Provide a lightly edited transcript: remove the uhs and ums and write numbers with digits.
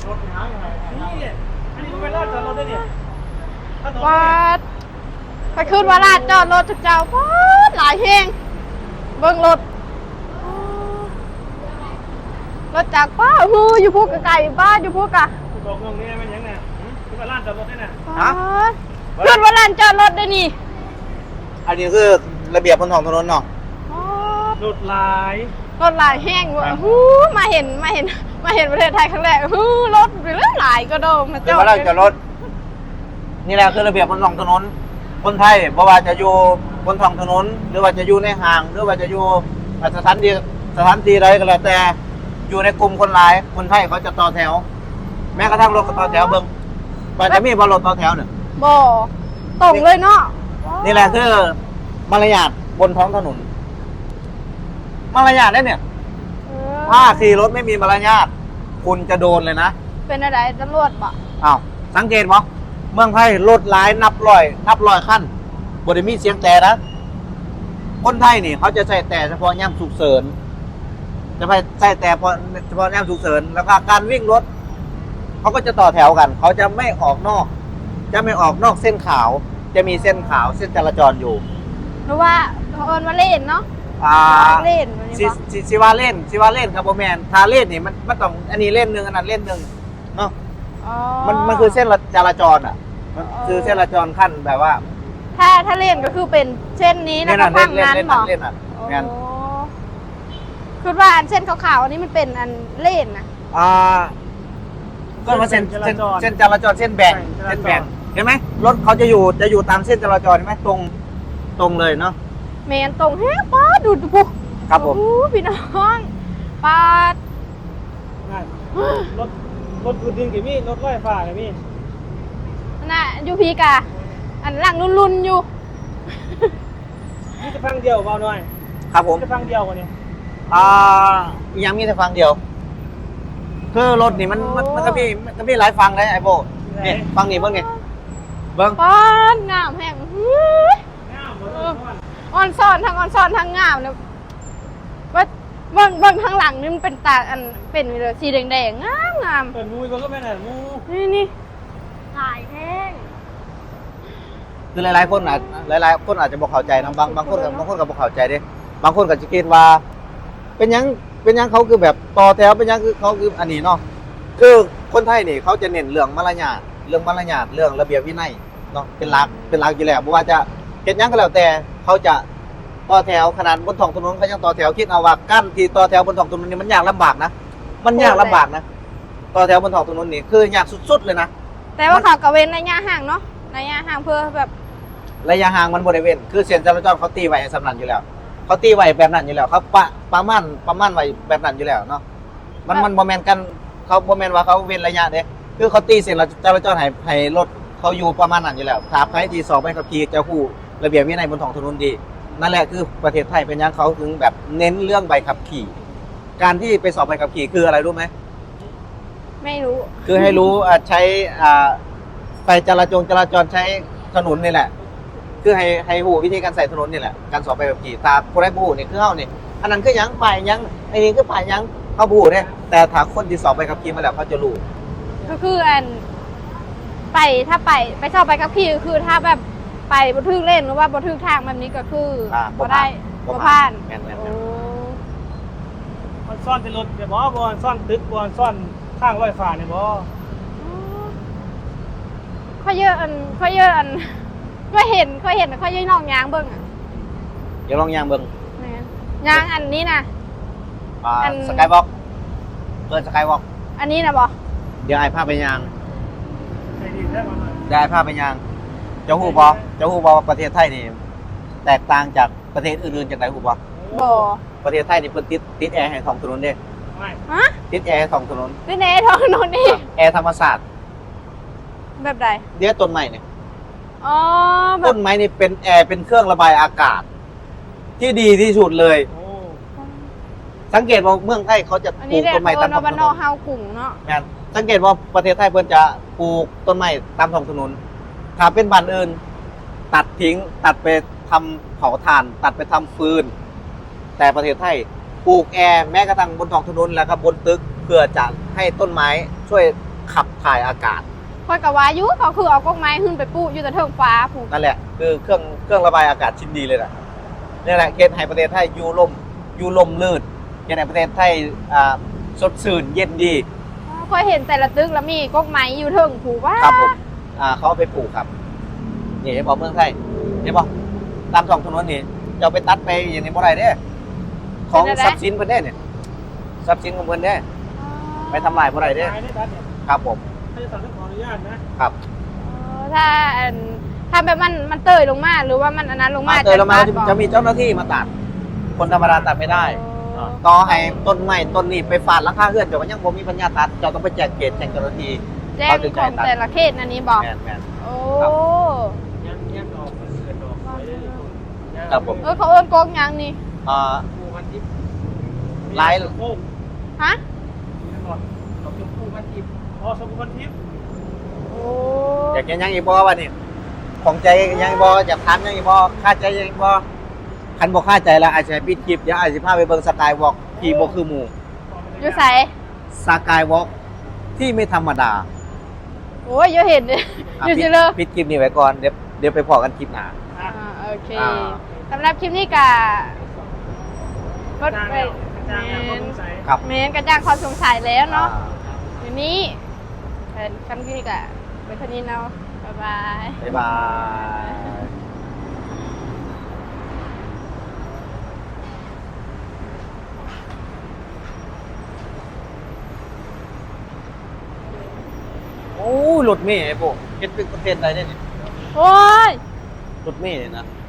รถหาอย่างไรนี่อันนี้เป็นลาดจอดรถได้เนี่ยวัดไปขึ้นว่าลาดจอดรถทุกเจ้าวัดหลายแห่งเบิ่งรถรถจากป้าฮูอยู่พวกไก่บ้านอยู่พวกอะบอกงงนี่มันยังไงขึ้นว่าลาดจอดรถได้น่ะขึ้นว่าลานจอดรถได้นี่อันนี้คือระเบียบบนท้องถนนเนาะรถหลายรถหลายแห้งว่ะฮู้มาเห็นประเทศไทยครั้งแรกฮู้รถเรื่องหลายก็โดมมาจอดว่าเราจะรถนี่แหละคือระเบียบบนท้องถนนคนไทยบ่ว่าจะอยู่บนท้องถนนหรือว่าจะอยู่ในห้างหรือว่าจะอยู่สถานที่ใดก็แล้วแต่อยู่ในกลุ่มคนหลายคนไทยเขาจะต่อแถวแม้กระทั่งรถก็ต่อแถวเบิ่งมันจะมีบอลรถต่อแถวเนี่ยบ่ตรงเลยเนาะนี่แหละคือมารยาทบนท้องถนนมารยาทได้เนี่ยถ้าขี่รถไม่มีมารยาทคุณจะโดนเลยนะเป็นอะไรตำรวจบ่อ้าวสังเกตมั้ยเมืองไทยรถหลายนับร้อยขั้นบริมีเสียงแต่นะคนไทยนี่เขาจะใส่แต่เฉพาะย่ำฉุกเฉินจะไปใส่แต่เฉพาะย่ำฉุกเฉินแล้วก็การวิ่งรถเขาก็จะต่อแถวกันเขาจะไม่ออกนอกเส้นขาวจะมีเส้นขาวเส้นจราจรอยู่เพราะว่าเขาเอิ้นว่าเล่นเนาะเล่นสิว่าเล่นครับโบแมนทาเล่นนี่มันต้องอันนี้เล่นหนึ่งอันนั้นเล่นหนึ่งเนาะมันคือเส้นจราจรอ่ะมันคือเส้นจราจรขั้นแบบว่าถ้าเล่นก็คือเป็นเส้นนี้นะก็พังนั้นหรอเล่นอ่ะงั้นคือว่าอันเส้นขาวๆอันนี้มันเป็นอันเล่นนะก็มาเส้นจราจรเส้นแบ่งเห็นไหมรถเขาจะอยู่ตามเส้นจราจรเห็นไหมตรงเลยเนาะแมนตรงแฮะป้าดูปุ๊ครับผมพี่น้องป้ารถพื้นดินกี่มีรถไฟฟ้ากี่มีน่ะยูพีกะอันหลังรุ่นอยู่นี่จะฟังเดียวเบาหน่อยครับผมจะฟังเดียวกว่านี้ยังมีแต่ฟังเดียวคือรถนี่มันก็มีหลายฟังเลยไอ้โบเนี่ยฟังนี่เบิ้งไงเบิ้งป้านงามแห่งออนซ่อนทั้งงามเนี่ยว่าเบิ้งทางหลังนี่มันเป็นตาอันเป็นสีแดงงามเปิดมูยก็ไม่ไหนมูนี่หลายแท่งคือหลายคนอาจจะบอกเข้าใจนะบางคนก็บอกเข้าใจดิบางคนก็จะคิดว่าเป็นยังเขาคือแบบต่อแถวเป็นยังคือเขาคืออันนี้เนาะคือคนไทยนี่เขาจะเน้นเรื่องมารยาทเรื่องระเบียบวินัยเนาะเป็นหลักอยู่แล้วไม่ว่าจะเห็นยังก็แล้วแต่เขาจะต่อแถวขนาดบนท้องถนนเขายังต่อแถวคิดเอาว่ากั้นที่ต่อแถวบนท้องถนนนี่มันยากลำบากนะต่อแถวบนท้องถนนนี่คือยากสุดๆเลยนะแต่ว่าเขากระเว้นระยะห่างเนาะระยะห่างเพื่อแบบระยะห่างมันบริเวณคือเส้นจราจรเขาตีไว้สำนันอยู่แล้วเขาตีไว้แบบนั้นอยู่แล้วเขาประมาณไว้แบบนั้นอยู่แล้วเนาะมันโมเมนต์กันเขาโมเมนต์ว่าเขาเว้นระยะเด้คือเขาตีเส้นจราจรให้รถเขาอยู่ประมาณนั้นอยู่แล้วถ้าใครที่สอบใบขับขี่จะฮู้ระเบียบวินัยบนท้องถนนดีนั่นแหละคือประเทศไทยเป็นยังเขาถึงแบบเน้นเรื่องใบขับขี่การที่ไปสอบใบขับขี่คืออะไรรู้ไหมไม่รู้คือให้รู้ใช้ไฟจราจรใช้ถนนนี่แหละคือให้หูวิธีการใส่ถนนนี่แหละการสอบใบขับขี่ตาคนได้บูนี่คือเฮานี่อันนั้นคือยังไปยังไอ้นี่คือไปยังเขาบูเนี่ยแต่ถ้าคนที่สอบใบขับขี่มาแล้วเขาจะรู้ก็คืออันถ้าไปสอบใบขับขี่คือถ้าแบบไปบนทึกเล่นหรือว่าบนทึกทางแบบนี้ก็คือบ่ได้บ่ผ่านมันซ่อนเป็นรถแต่บ่ซ่อนตึกบ่ซ่อนข้างรถไฟฟ้าเนี่ยบ่ค่อยเยอะอันค่อยเห็นค่อยเยอะน้องยางเบิ่งอ่ะอย่าลองยางเบิ่งยางอันนี้นะสกายวอล์กเปิดสกายวอล์กอันนี้นะบ่เดี๋ยวไอ้ภาพไปยางได้ภาพไปยางจะฮู้บ่ประเทศไทยนี่แตกต่างจากประเทศอื่นๆจากไหนฮู้บ่ประเทศไทยนี่เพิ่นติดแอร์ให้ท้องถนนเด้ฮะติดแอร์ให้ท้องถนนติดแอร์ท้องถนนนี่แอร์ธรรมศาสตร์แบบใดเดี๋ยวต้นไม้เนี่ยแบบต้นไม้นี่เป็นแอร์เป็นเครื่องระบายอากาศที่ดีที่สุดเลยสังเกตว่าเมืองไทยเขาจะปลูกต้นไม้ตามท้องถนนเฮากรุงเนาะงั้นสังเกตว่าประเทศไทยเพิ่นจะปลูกต้นไม้ตามท้องถนนถ้าเป็นบ้านอื่นตัดทิ้งตัดไปทำเผาถ่านตัดไปทำฟืนแต่ประเทศไทยปลูกแอร์แม้กระทั่งบนท้องถนนแล้วก็บนตึกเพื่อจะให้ต้นไม้ช่วยขับถ่ายอากาศคอยกับว่าอยุเขาคือเอากล้องไม้ขึ้นไปปูอยู่แต่เทิงฟ้าผูกนั่นแหละคือเครื่องระบายอากาศชิ้นดีเลยนะนี่แหละเกณฑ์ให้ประเทศไทยอยู่ลมลื่นเกณฑ์ให้ประเทศไทยสดชื่นเย็นดีคอยเห็นแต่ละตึกแล้วมีกล้องไม้อยู่เทิงผูกว่าครับผมเขาเอาไปปลูกครับนี่เห็นบอกเมืองไทยเห็นบอกตามท้องถนนนี่จะเอาไปตัดไปอย่างนี้บ่ได้เด้ของทรัพย์สินเพิ่นเด้เนี่ยทรัพย์สินของเพิ่นเด้ไปทำลายบ่ได้เด้ขายได้ดัดเนี่ยครับผมถ้าจะสั่งต้องขออนุญาตนะครับถ้าแบบมันเตยลงมาหรือว่ามันอันนั้นลงมาเจอแล้วมาจะมีเจ้าหน้าที่มาตัด คนธรรมดาตัดไม่ได้ ต่อให้ต้นไม้ต้นนี้ไปฟาดหลังคาเฮือนเจ้าก็ยังบ่มีปัญญาตัดเจ้าต้องไปแจกเกตแจ้งเจ้าหน้าที่แจ้งของแต่ละเขตอันนี้บอกแม่นโอ้ยังออกเกิดออกไว้ได้เลยครับผมเขาเอิ้นกล้องยังนี่ปูมันทิพย์ลายโค้งฮะนี่ก่อนดอกชมพูมันทิพย์อ๋อชมพูมันทิพย์โอ้อยากยังอีกบ่วะนี่ของใจยังอีกบ่อยากถามยังอีกบ่ค่าใจยังอีกบ่คันบ่ค่าใจแล้วอาจจะปิดคลิปเดี๋ยวอาจจะพาไปเบิ่งสกายวอล์กที่บ่คือหมู่อยู่ใส่สกายวอล์กที่ไม่ธรรมดาโอ้ยอยู่เห็นเลยอยู่สิเลยปิดคลิปนี้ไว้ก่อนเดี๋ยวไปพอกันคลิปหน้าอ่ะโอเคอ่าสำหรับคลิปนี้กะรถจ้างไปแล้วจ้างแล้วก็สงสัยครับเมนกระจ่างความสงสัยแล้วเนาะอ่ทีนี้คำนี้กะเป็นคนนี้เนาะบ๊ายบายบ๊ายบายโอ้ยรถเมย์ไอ้พวกเฮ็ดเป็นประเทศใดได้เนี่ยโอ้ยรถเมย์เนี่ยนะ